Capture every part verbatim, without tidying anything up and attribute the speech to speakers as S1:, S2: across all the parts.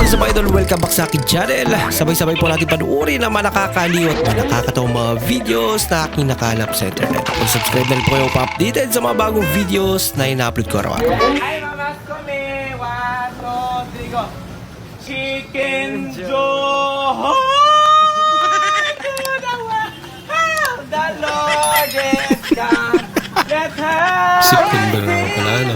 S1: is up, idol? Welcome back sa akin channel. Sabay-sabay po natin panuorin ang mga nakakaliw at mga nakakatawang mga videos na aking nakalap sa internet. Kung subscribe na rin po kayo pa-updated sa mga bagong videos na ina-upload ko araw-araw.
S2: Ay, mamas kami. One, two, three, go. Chicken Joe. The Lord is God. Let her.
S1: September na pala, ano?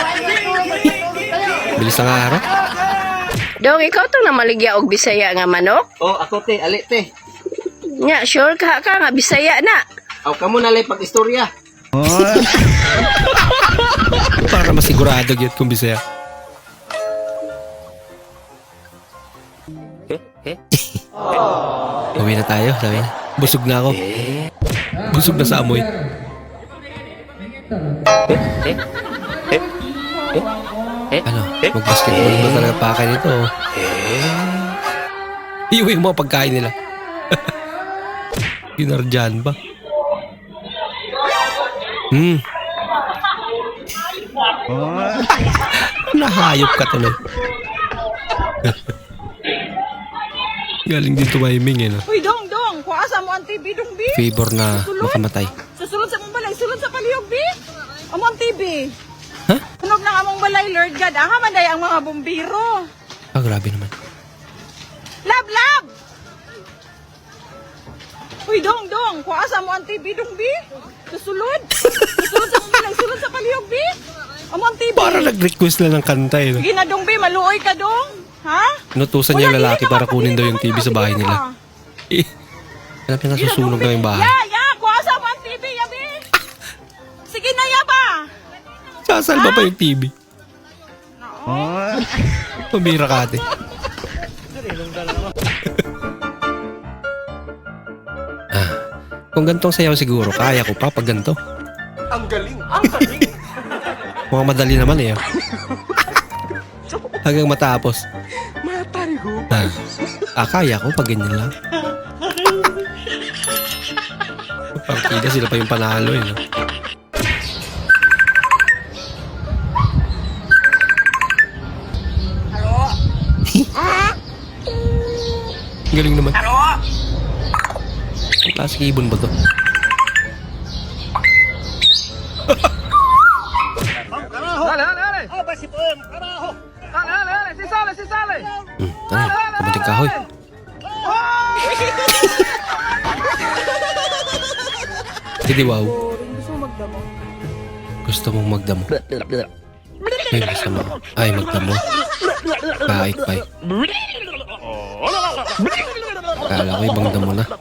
S1: Bilis ang araw.
S3: Dong, ikaw tong namaligya og Bisaya nga manok?
S2: Oh, ako te, ali te.
S3: Nya, sure ka ka nga Bisaya na.
S2: Aw, kamo na lay pag-istorya.
S1: Para masigurado yun kung Bisaya. Uwi na tayo, sabi niya. Busog na ako. Busog na sa amoy. Ano? Mag-basketball ba talaga pakay nito? Iuwi mo ang pagkain nila. Ginardyan ba? Hmm. Nahayop ka tuloy. Galing din tumiming eh, no?
S4: Uy, dong, dong. Kuasa mo ang T V, dong, bi.
S1: Favor na makamatay.
S4: Susulod sa mong balay, sulod sa palihog, bi. Amo ang T V.
S1: Ha?
S4: Tunog ng among balay, Lord God. Ang hamanday ang mga bumbiro.
S1: Ah, grabe naman.
S4: Lab, lab! Uy, dong, dong. Kuasa mo ang T V, dong, bi. Susulod. Susulod sa mong balay, sulod sa palihog, bi. Amo ang T V.
S1: Para nag-request lang ng kanta eh, no?
S4: Sige na, dong, bi. Maluoy ka, dong. Ha?
S1: Inutusan niya yung
S4: Wala,
S1: lalaki
S4: hindi
S1: para
S4: ka
S1: kunin daw yung T V
S4: mapapili
S1: sa bahay
S4: naman,
S1: nila.
S4: ka.
S1: Eh, alam niya nasusunog na yung bahay.
S4: Ya, ya. Kuasa mo ang T V, ya, bi. Sige na, ya ba?
S1: Sasalba pa yung T V. Pabira ka ate. Ah, kung gantong sayaw siguro, kaya ko pa pag ganito.
S2: Ang galing. Ang galing.
S1: Mukhang madali naman eh. ah. Hanggang matapos. Ah, ah, kaya ko pag ganyan lang. Partida sila pa yung panalo eh. No? Galing naman. Ang klaseng ibon ba to?
S2: Dale, dale, dale. Aba si Poem, carajo. Dale, dale, dale. Si sale, si sale.
S1: Hmm, tara, kamuting kahoy. Hindi wow. Gusto mong magdamo. Ay, gusto mo. Ay, magdamo. Kaik pa eh. Kala ko ibang damo na.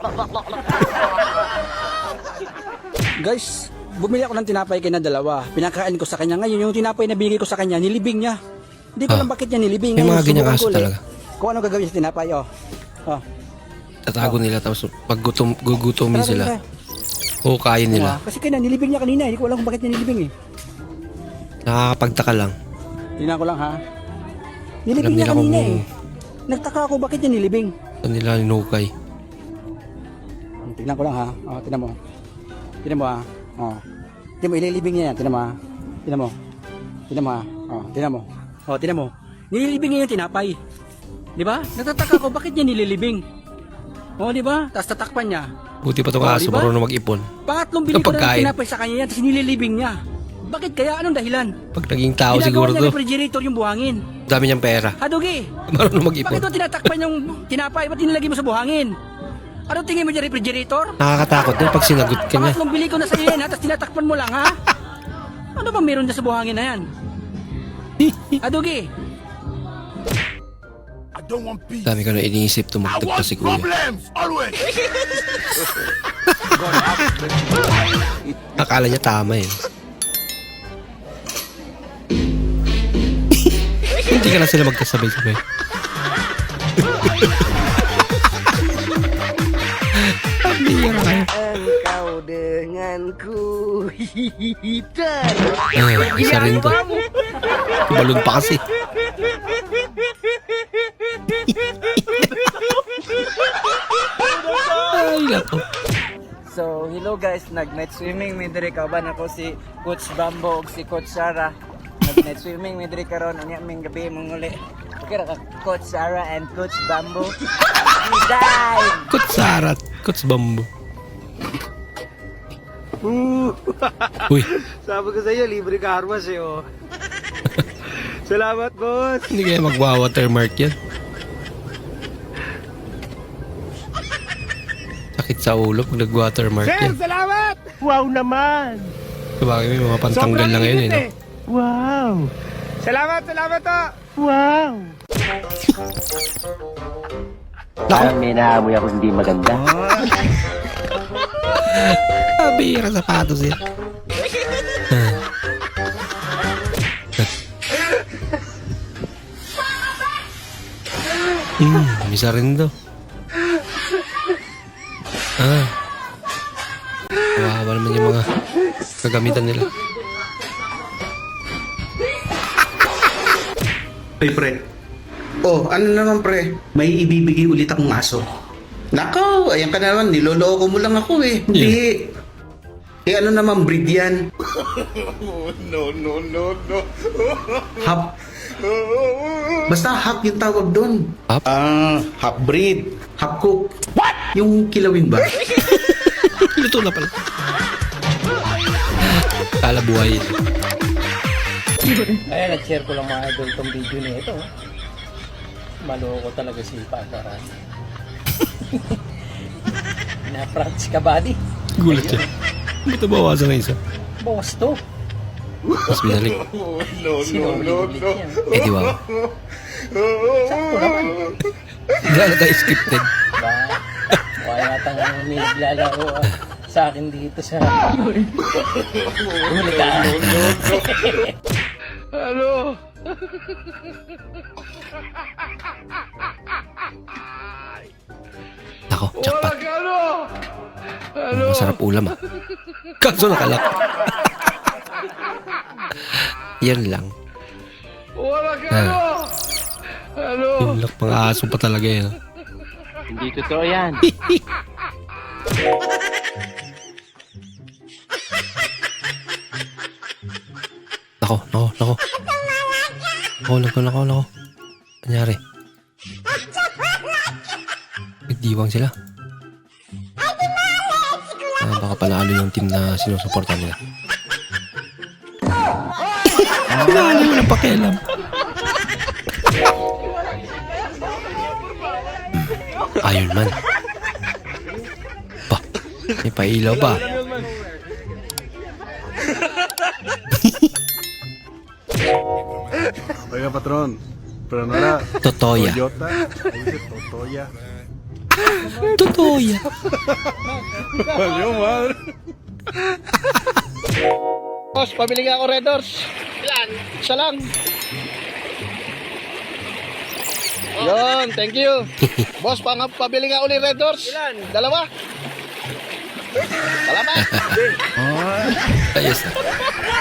S5: Guys, bumili ako ng tinapay kay na dalawa. Pinakain ko sa kanya. Ngayon, yung tinapay na binigay ko sa kanya, nilibing niya. Hindi ko
S1: Ah.
S5: alam bakit niya nilibing.
S1: May
S5: Ngayon,
S1: mga ganyang
S5: subukan
S1: aso
S5: ko ulit.
S1: talaga.
S5: Kung ano gagawin sa tinapay, oh. Oh.
S1: Tatago nila tapos pag gutom, gugutomin
S5: Tara,
S1: sila.
S5: tara.
S1: O kain nila.
S5: Ah, kasi kaya nilibing niya kanina. Hindi ko alam kung bakit niya nilibing eh.
S1: Nakakapagtaka lang.
S5: Tingnan ko lang ha.
S1: Alam
S5: Nilibing niya
S1: nila kung
S5: kanina eh. Nagtaka ako bakit niya nilibing.
S1: saan nila ninukay.
S5: Tingnan ko lang ha. Oh, tingnan mo. Tingnan mo ha. Oh. Tingnan mo, ililibing niya yan. Tingnan mo ha. Tingnan mo. Tingnan mo ha. Oh, tingnan mo. Oh, tingnan mo. Nililibing niya yung tinapay. Di ba? Nagtataka ako bakit niya nililibing. Oh, di ba? Tapos tatakpan niya.
S1: Buti pa itong
S5: Oh,
S1: aso,
S5: diba?
S1: marunong mag-ipon.
S5: Pangatlong bili ko na
S1: Pagkain.
S5: ng tinapay sa kanya yan, tapos nililibing niya. Bakit kaya? Anong dahilan?
S1: Pag naging tao
S5: Ginagawa
S1: siguro
S5: niya
S1: to,
S5: refrigerator yung buhangin.
S1: dami niyang pera.
S5: Hadugi,
S1: Marunong mag-ipon.
S5: bakit mo tinatakpan yung tinapay? Ba't nilagay mo sa buhangin? Ano tingin mo dyan, refrigerator?
S1: Nakakatakot din pag sinagot ka niya.
S5: Pangatlong bili ko na sa iyo yan, ha? Tapos tinatakpan mo lang, ha? Ano ba meron dyan sa buhangin na yan? Hadugi,
S1: Dami ko na iniisip, tumagdag pa si kuya. Akala niya tama eh. Hindi ka na sila magkasabay-sabay. Bihira kayo.
S2: Engkau denganku. Hihihitan.
S1: Ay, isa rin to. Balon pa kasi. Ay, lako.
S6: So, hello guys, nag-night swimming mi diri kauban ako si Coach Bambo ug si Coach Sarah. Nag-night swimming mi diri karon unya ming gabi manguli. kira ka Coach Sarah and Coach Bamboo. Design!
S1: Kutsarat. Kuts bambo. Uy,
S2: Sabi ko sa iyo, libre ka armas eh, oh. Salamat, boss.
S1: hindi kaya magwa-watermark yan. Sakit sa ulo pag nag-watermark yan.
S2: salamat! Wow naman!
S1: Sabagay may mga pantanggal na ngayon eh. No?
S2: Wow! Salamat, salamat, oh! Wow!
S7: May naamoy ako hindi maganda.
S1: Ah, bihira sapatos yan. Hmm, misa rin daw. Ah. Kawawa naman yung mga kagamitan nila.
S8: Ay, pre. Oh, ano naman, pre? May ibibigay ulit akong aso. Nako, ayan ka naman. Niloloko mo lang ako eh. Hindi. Eh, ano naman breed yan? no, no, no, no. Hap. Basta hap yung tawag doon.
S1: Hap?
S8: Ah, half breed. Half cook. What? Yung kilawin ba?
S1: Luto na pala. Kala buhay.
S7: Ayan, nag-share ko lang mga idol tong video na ito. Maloko talaga si Pakaran. Na-practice ka, buddy.
S1: Gulat siya. Ba't nabawasan na isa?
S7: Boss to.
S1: Mas binalik.
S7: Sino ulit yan?
S1: Eh di ba?
S7: Sakto naman.
S1: Hindi na tayo scripted.
S7: Ba? Kaya yata nga may naglalaro ah, sa akin dito sa... Huli ka.
S1: Ako, jackpot. Masarap ulam ah. Kaso nakalak. Yan lang. Ah. Yung lak mga aso pa talaga yan.
S7: Hindi totoo yan.
S1: Nako, nako, nako. Nako, nako, nako, nako. Anyari? Nagdiwang sila. Ah, baka panalo yung team na sinusuportan nila. Pinalo yung pakialam. Iron Man. Pa, may pailaw ba?
S9: Oiga, patrón, pero no era
S1: Totoya.
S9: Toyota, ahí dice Totoya.
S1: Totoya.
S9: Valió madre.
S2: Boss, pabili nga ako Red Doors. Ilan? Isa lang. Yun, thank you. Boss, pang pabili nga ulit Red Doors. Ilan? Dalawa. Salamat.
S1: Ayos na.